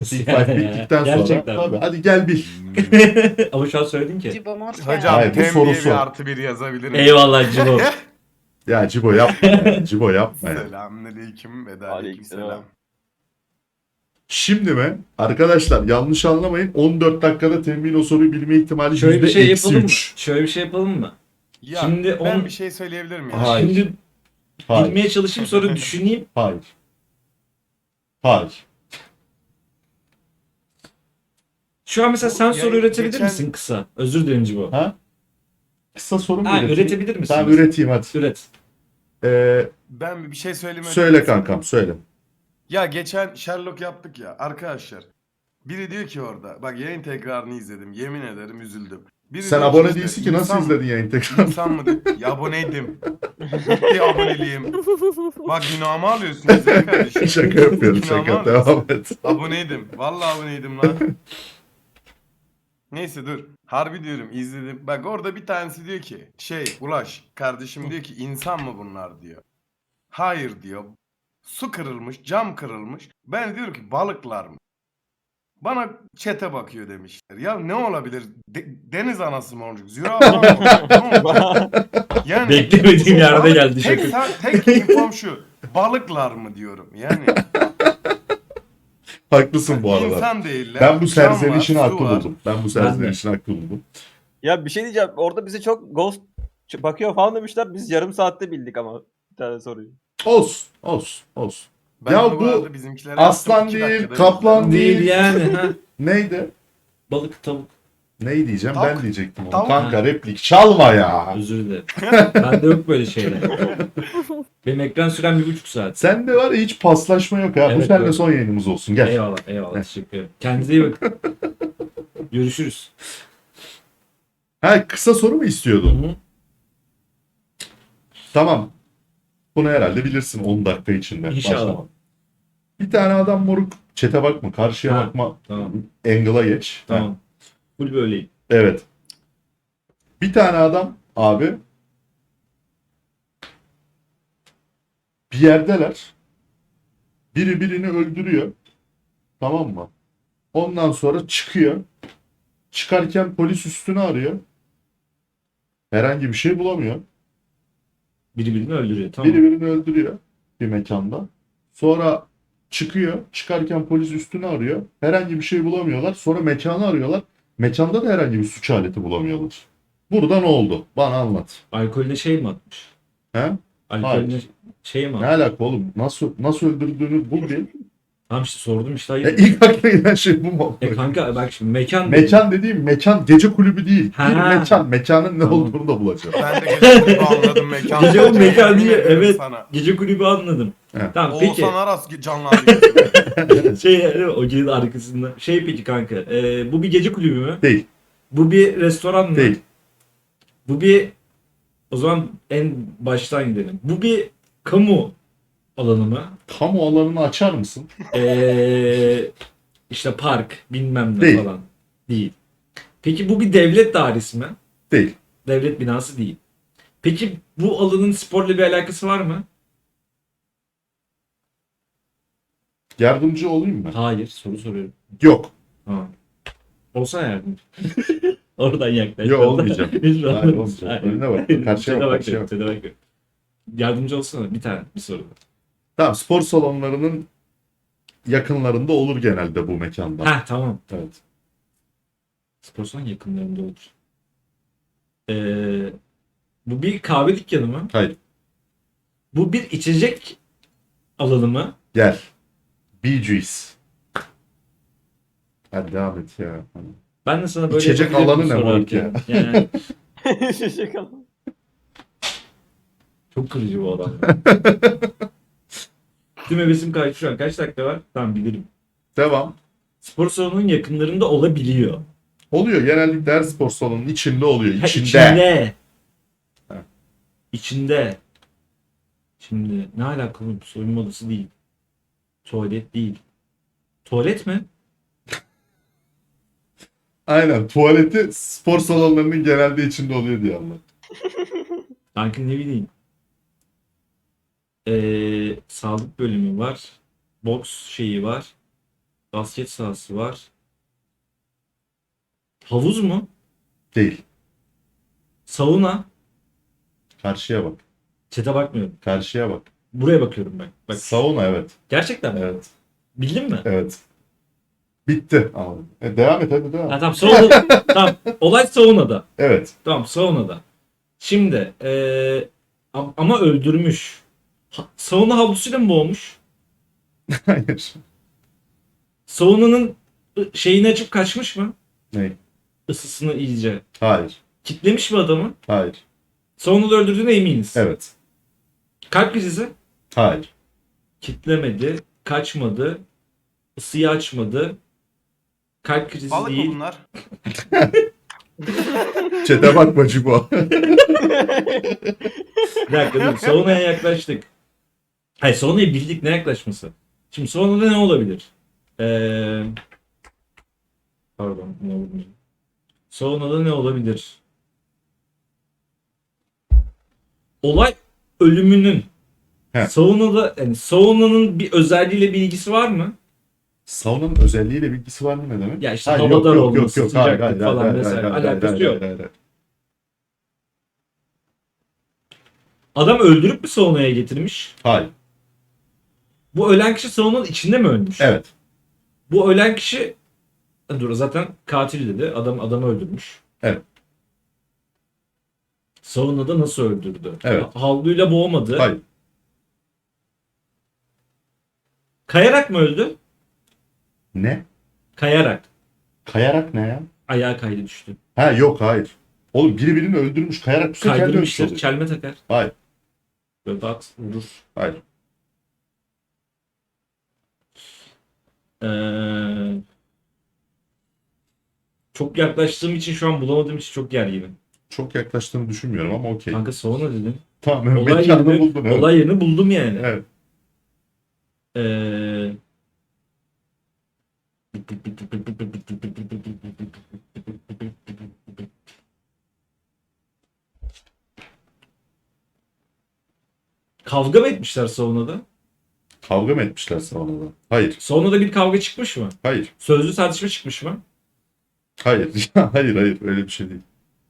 Big Five bittikten sonra. Gerçekten Tabii, mi? hadi gel bil. Ama şu an söyledin ki. Cibo Mort Hocam Hayır, bu tem soru diye sor. bir artı bir yazabilir miyim? Eyvallah Cibo. Ya Cibo yapma ya. Cibo yapma ya. Selamünaleyküm ve Aleykümselam. aleykümselam. Şimdi mi? Arkadaşlar yanlış anlamayın. 14 dakikada temin o soruyu bilme ihtimali Şöyle bir şey yapalım mı? %-3. Şöyle bir şey yapalım mı? Ya Şimdi ben on- bir şey söyleyebilir miyim? Hayır. Şimdi Hayır. bilmeye çalışayım sonra düşüneyim. Hayır. Hayır. Şu an mesela sen Ya soru üretebilir geçen- misin kısa? Özür dilerim Cibo. Ha? Kısa soru mu Ha, üreteyim? üretebilir misin? Tamam üreteyim hadi. Üret. Ben bir şey söyleyeyim. Söyle kankam söyle. Ya geçen Sherlock yaptık ya arkadaşlar. Biri diyor ki orada bak yayın tekrarını izledim yemin ederim üzüldüm. Biri Sen diyor abone işte, değilsin ki nasıl insan- izledin yayın tekrar? İnsan mı? Ya aboneydim. Bitti aboneliğim. Bak günahımı alıyorsun güzel kardeşim. Şaka yapıyorum Günahımı şaka. alıyorsun. Devam et. Aboneydim. Vallahi aboneydim lan. Neyse dur. Harbi diyorum izledim. Bak orada bir tanesi diyor ki Ulaş kardeşim diyor ki insan mı bunlar diyor. Hayır diyor. Su kırılmış, cam kırılmış. Ben diyorum ki balıklar mı? Bana çete bakıyor demişler. Ya ne olabilir? Deniz anası mı olacak? Zürafa mı olacak? Ne olacak? Yani Beklemediğim yerde balık- geldi tek, şaka. tek infom şu. Balıklar mı diyorum. Yani Haklısın bu arada. insan değiller. Ben bu cam var, serzenişini su haklı var. buldum. Ben bu serzenişini haklı buldum. Ya bir şey diyeceğim. Orada bize çok ghost bakıyor falan demişler. Biz yarım saatte bildik ama bir tane soruyu. Olsun. Olsun. Olsun. Ben Ya de bu arada bizimkilere aslan yaptım, 2 değil, dakikada kaplan bildiler. değil. Değil yani. Ha. Neydi? Balık, tavuk. Neyi diyeceğim? Tavuk. Ben diyecektim onu. Tavuk. Kanka replik çalma ya. Özür dilerim. Bende yok böyle şeyler. Benim ekran sürem 1,5 saat. Sende var ya hiç paslaşma yok ha. Bu Evet, seninle yok. son yayınımız olsun. Gel. Eyvallah, eyvallah. Teşekkür ederim. Kendinize iyi bakın. Görüşürüz. Ha kısa soru mu istiyordun? Hı-hı. Tamam. Bunu herhalde bilirsin 10 dakika içinde. İnşallah. Başlama. Bir tane adam moruk. Çete bakma, karşıya Ha, bakma. tamam. Angle'a geç. Ha, Tamam. Full böyleyim. evet. Bir tane adam abi bir yerdeler. Biri birini öldürüyor. Tamam mı? Ondan sonra çıkıyor. Çıkarken polis üstünü arıyor. Herhangi bir şey bulamıyor. Biri birini öldürüyor. Tamam. Biri birini öldürüyor bir mekanda. Sonra çıkıyor. Çıkarken polis üstünü arıyor. Herhangi bir şey bulamıyorlar. Sonra mekanı arıyorlar. Mekanda da herhangi bir suç aleti bulamıyorlar. Burada ne oldu? Bana anlat. Alkolüne şey mi atmış? He? Alkolüne şey mi Ne atmış? alaka oğlum? Nasıl öldürdüğünü bul bir. Tamam işte sordum işte. Ya Hayır. ilk aklına gelen şey bu mu? Kanka bak şimdi mekan. Mekan dediğim mekan gece kulübü değil. Ha. Bir mekan. Mekanın ne Tamam. olduğunu da bulacağım. Ben de geçen gibi anladım mekan. Gece o mekan Yemin değil, ederim evet. Sana. Gece kulübü anladım. Evet. Tamam peki. Oğuzhan Aras canlandı gözüme. Şey o gecenin arkasında. Şey peki kanka. Bu bir gece kulübü mü? Değil. Bu bir restoran mı? Değil. Bu bir o zaman en baştan gidelim. Bu bir kamu alanı mı? Kamu alanını açar mısın? İşte park bilmem ne Değil. falan. Değil. Peki bu bir devlet dairesi mi? Değil. Devlet binası değil. Peki bu alanın sporla bir alakası var mı? Yardımcı olayım mı? Hayır. Soru soruyorum. Yok. Ha. Olsa yardımcı. Oradan yaklaş. Yok, olmayacağım. Hiç Hayır, olmaz. olmayacak. Hayır. Önüne bak. Karşıya Çete bak. bak, Karşıya bak. çete bak. Yardımcı olsana bir tane bir soru. Tamam spor salonlarının yakınlarında olur genelde bu mekanlar. Ha tamam. Evet. Spor salonu yakınlarında olur. Bu bir kahve dükkanı mı? Hayır. Bu bir içecek alanı mı? Gel. Bee Gees. Hadi devam et ya. Ben de sana böyle İçecek yapabilirim alanı ne moruk sorarken. ya? Yani Şaka. çok kırıcı bu adam. Tüm hevesim kaçtı şu an. Kaç dakika var? Tamam bilirim. Devam. Spor salonunun yakınlarında olabiliyor. Oluyor. Genellikle her spor salonunun içinde oluyor. Ha, İçinde. içinde. Ha. İçinde. Şimdi ne alakalı bu soyunma odası değil. Tuvalet değil. Tuvalet mi? Aynen. Tuvaleti spor salonlarının genelde içinde oluyor diye anlat. Sanki ne bileyim. Sağlık bölümü var. Boks şeyi var. Basket sahası var. Havuz mu? Değil. Sauna. Karşıya bak. Çete bakmıyorum. Karşıya bak. Buraya bakıyorum ben. Bak. Sauna evet. Gerçekten mi? Evet. Bildin mi? Evet. Bitti. Anladım. Devam et hadi Ha, devam. tamam sauna. Tamam. Olay saunada. Evet. Tamam saunada. Şimdi ama öldürmüş. Sauna havlusuyla mı boğmuş? Hayır. Saunanın şeyini açıp kaçmış mı? Ne? Isısını iyice. Hayır. Kitlemiş mi adamı? Hayır. Saunada öldürdüğüne eminiz. Evet. Kalp krizi. Hayır. Kitlemedi. Kaçmadı. Isıyı açmadı. Kalp krizi Balık mı değil. bunlar? Çete bakma Cibo. Bir dakika dur. Saunaya yaklaştık. Hayır saunayı bildik, ne yaklaşması. Şimdi saunada ne olabilir? Pardon. Ne olabilir? Saunada ne olabilir? Olay ölümünün He. saunada, yani saunanın bir özelliğiyle bir ilgisi var mı? Saunanın özelliğiyle bilgisi var mı ne demek? Ya işte Hayır, hava yok, dar yok, olması, yok, yok. sıcaklık Hayır, falan hayır, vesaire. hayır, hayır, Alakası hayır, yok. hayır, hayır. Adam öldürüp bir saunaya getirmiş. Hayır. Bu ölen kişi saunanın içinde mi ölmüş? Evet. Bu ölen kişi dur zaten katil dedi. Adamı öldürmüş. Evet. Saunada nasıl öldürdü? Evet. Havluyla boğmadı. Hayır. Kayarak mı öldü? Ne? Kayarak. Kayarak ne ya? Ayağa kaydı düştü. Ha yok hayır. Oğlum biri birini öldürmüş kayarak düşse kendi ölmüş Kaydırmıştır. oluyor. Çelme takar. Hayır. Böyle at vurur. Hayır. Ee, çok yaklaştığım için şu an bulamadığım için çok gerginim. Çok yaklaştığını düşünmüyorum ama okey. Kanka sauna dedim. Tamam Olay mekanını yerini, buldun evet. olay yerini buldum yani. Evet. Ee, kavga mı etmişler saunada? Kavga mı etmişler saunada? Hayır. Saunada bir kavga çıkmış mı? Hayır. Sözlü tartışma çıkmış mı? Hayır. Hayır hayır öyle bir şey değil.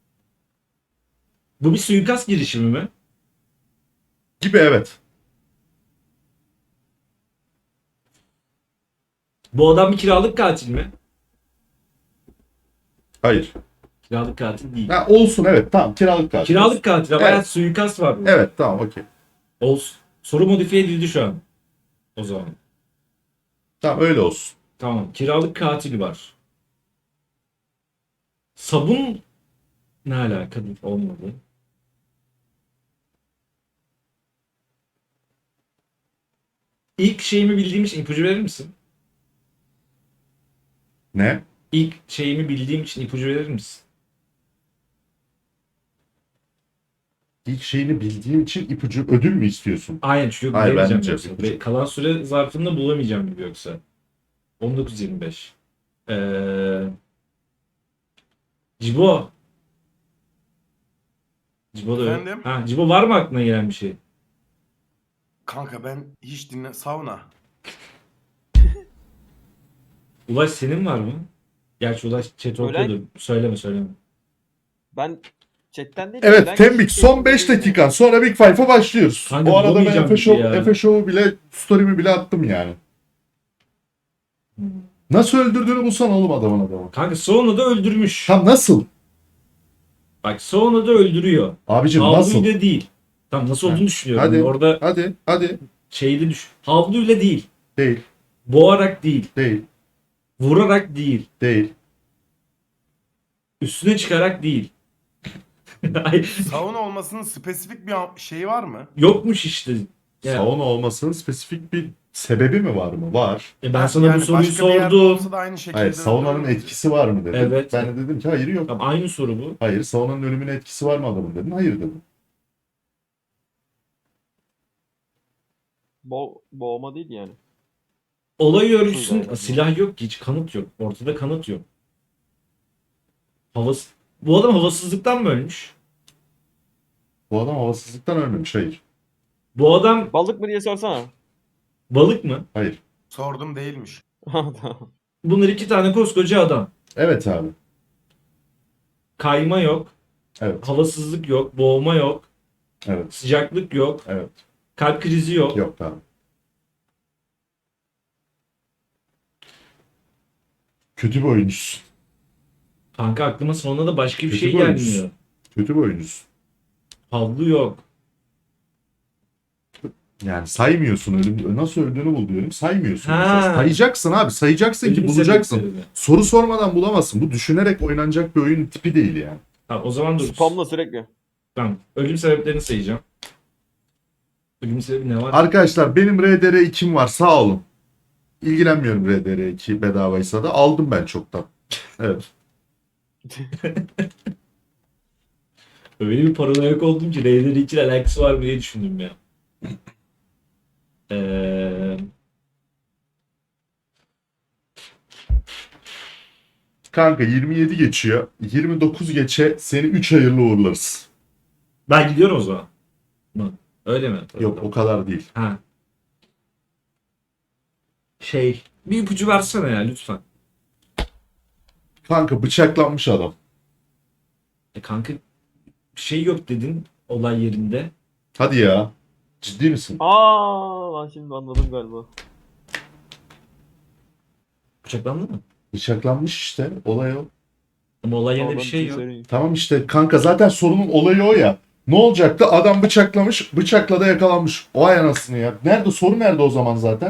Bu bir suikast girişimi mi? Gibi evet. Bu adam bir kiralık katil mi? Hayır. Kiralık katil değil. Ha, olsun evet tamam kiralık katil. Kiralık katil ama Evet. hayat suikast var burada. Evet tamam okey. Olsun. Soru modifiye edildi şu an. O zaman. Tamam öyle olsun. Tamam. Kiralık katil var. Sabun ne alaka? Olmadı. İlk şeyimi bildiğim için ipucu verir misin? Ne? İlk şeyimi bildiğim için ipucu verir misin? İlk şeyini bildiğim için ipucu ödül mü istiyorsun? Aynen çünkü Hayır, ben bilemeyeceğim diyeceğim yoksa. ipucu. Ve kalan süre zarfında bulamayacağım gibi yoksa. 19.25. Cibo. Cibo da Efendim? Ha, Cibo var mı aklına gelen bir şey? Kanka ben hiç sauna. Ulaş senin var mı? Gerçi Ulaş chat Ölen- okuyordur. Söyleme. Ben chatten değil. Evet ölen Tembik kişi- son 5 dakikan sonra Big Five'a başlıyoruz. Kanka, O arada ben bulamayacağım Efe bir şey Show, ya. Efe Show'u bile story'mi bile attım yani. Nasıl öldürdüğünü bulsan oğlum adamı. Kanka Sauna'da öldürmüş. Tam nasıl? Bak Sauna'da öldürüyor. Abicim nasıl? Havluyla değil. Tam nasıl olduğunu düşünüyorum. Hadi. Orada Hadi. şeyli düş. Havluyla değil. Değil. Boğarak değil. Değil. Vurarak değil. Değil. Üstüne çıkarak değil. Ay, Sauna olmasının spesifik bir şeyi var mı? yokmuş işte. Ya, Sauna olmasının spesifik bir sebebi mi var mı? Var. ben sana bu soruyu başka bir yerde sordum. olsa da aynı şekilde Hayır saunanın öldürür müydü? etkisi var mı dedin. Evet. Ben de dedim ki hayır yok. Tamam, aynı soru bu. Hayır saunanın ölümüne etkisi var mı adamın dedin. Hayır dedim. Boğma değil yani. Olay örgüsünün Şurada. silah yok ki, hiç kanıt yok. Ortada kanıt yok. Bu adam havasızlıktan mı ölmüş? Bu adam havasızlıktan ölmemiş. Hayır. Bu adam Balık mı diye sorsana. balık mı? Hayır. Sordum değilmiş. Tamam. Bunlar iki tane koskoca adam. Evet abi. Kayma yok. Evet. Havasızlık yok. Boğma yok. Evet. Sıcaklık yok. Evet. Kalp krizi yok. Yok abi. Kötü bir oyuncusun. Kanka aklıma sonra da başka bir Kötü şey bir oyuncusun. gelmiyor. Kötü bir oyuncusun. Havlu yok. Yani saymıyorsun nasıl öldüğünü bul diyorum. Saymıyorsun. Ha. mesela. Sayacaksın abi. Sayacaksın ki Ölüm bulacaksın. sebepleri mi? Soru sormadan bulamazsın. Bu düşünerek oynanacak bir oyun tipi değil yani. Tamam, o zaman dur. Spamla sürekli. Tamam. Ölüm sebeplerini sayacağım. Ölüm sebebi ne var? Arkadaşlar benim RDR2'm var sağ olun. İlgilenmiyorum RDR2 bedavaysa da aldım ben çoktan. Evet. Öyle bir paranoyak oldum ki Raider 2 ile alakası var mı diye düşündüm ya. Eee Kanka 27 geçiyor. 29 geçe seni 3 hayırlı uğurlarız. ben gidiyorum o zaman. Hı. Öyle mi? Yok o kadar değil. Ha. Bir ipucu versene ya lütfen. Kanka bıçaklanmış adam. Kanka bir şey yok dedin olay yerinde. Hadi ya. Ciddi misin? Aa, ben şimdi anladım galiba. Bıçaklandı mı? Bıçaklanmış işte. Olay o. Ama olay yerinde Ama bir ben şey bir yok. söyleyeyim. Tamam işte kanka zaten sorunun olayı o ya. Ne olacaktı? Adam bıçaklamış, bıçakla da yakalanmış. O ay anasını ya. Nerede? Soru nerede o zaman zaten?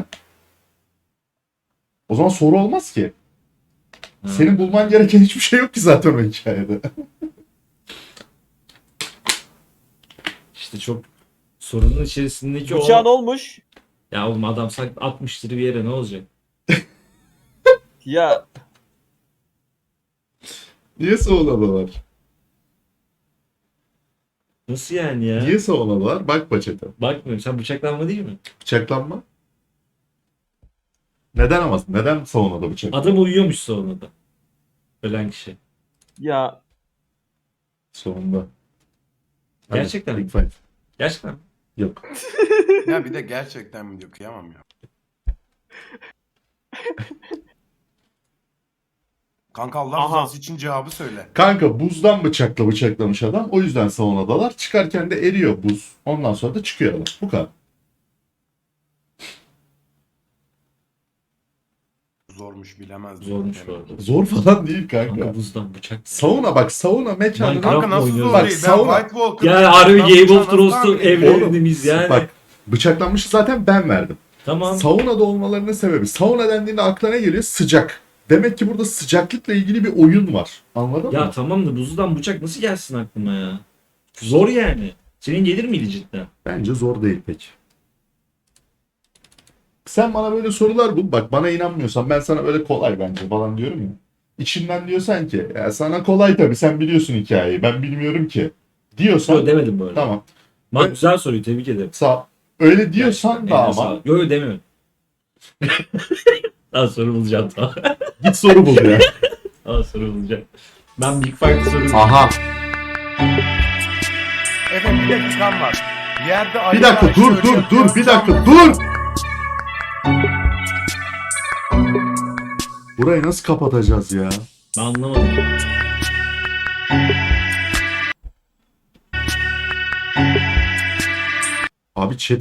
O zaman soru olmaz ki. Ha. Senin bulman gereken hiçbir şey yok ki zaten o hikayede. İşte çok sorunun içerisindeki Bıçağın o... olmuş. Ya oğlum adam atmıştır bir yere ne olacak? Ya Niye savunadılar? Nasıl yani ya? Niye savunadılar? Bak paçete. Bakmıyorum. Sen bıçaklanma değil mi? Bıçaklanma. Neden ama? Neden savunadı bıçak? Adam uyuyormuş sonunda. Ölen kişi. ya Sonunda. Hadi, Gerçekten mi? Big fight. Gerçekten mi? Yok. Ya bir de gerçekten mi diyor, kıyamam ya. Kanka Allah Aha. rızası için cevabı söyle. Kanka buzdan bıçakla bıçaklamış adam. O yüzden saunadalar. Çıkarken de eriyor buz. Ondan sonra da çıkıyor adam. Bu kadar. Zormuş, bilemezdim. Zormuş Demek. bu arada. Zor falan değil kanka. Kanka buzdan bıçak. Sauna bak sauna mekanı. Minecraft Kanka nasıl oynuyoruz. zor Bak, değil? sauna- Ben White Walker... Ya harbi Ben Game of bıçağı Thrones'un nasıl tahmin edeyim? evrenimiz yani. Bak bıçaklanmışı zaten ben verdim. Tamam. Saunada olmalarının sebebi. Sauna dendiğinde aklına ne geliyor? Sıcak. Demek ki burada sıcaklıkla ilgili bir oyun var. Anladın Ya mı? tamam da buzdan bıçak nasıl gelsin aklıma ya? Zor yani. Senin gelir miydi cidden? Bence zor değil pek. Sen bana böyle sorular bul. Bak bana inanmıyorsan ben sana böyle kolay bence falan diyorum ya. İçinden diyorsan ki ya sana kolay tabii sen biliyorsun hikayeyi ben bilmiyorum ki diyorsan Yok demedim böyle. tamam. Bak Evet. güzel soruyu tebrik ederim. Öyle diyorsan Gerçekten, da eline ama sağlık. Yok demiyorum. Daha soru bulacağım tamam. git soru bul ya. Daha soru bulacağım. Ben Big Five soru Aha. Efendim bir dakikam var. Yerde Bir Ali dakika Ayşe dur öyle dur yapıyor, dur bir sen dakika mi? dur. Burayı nasıl kapatacağız ya? Ben anlamadım. Abi chat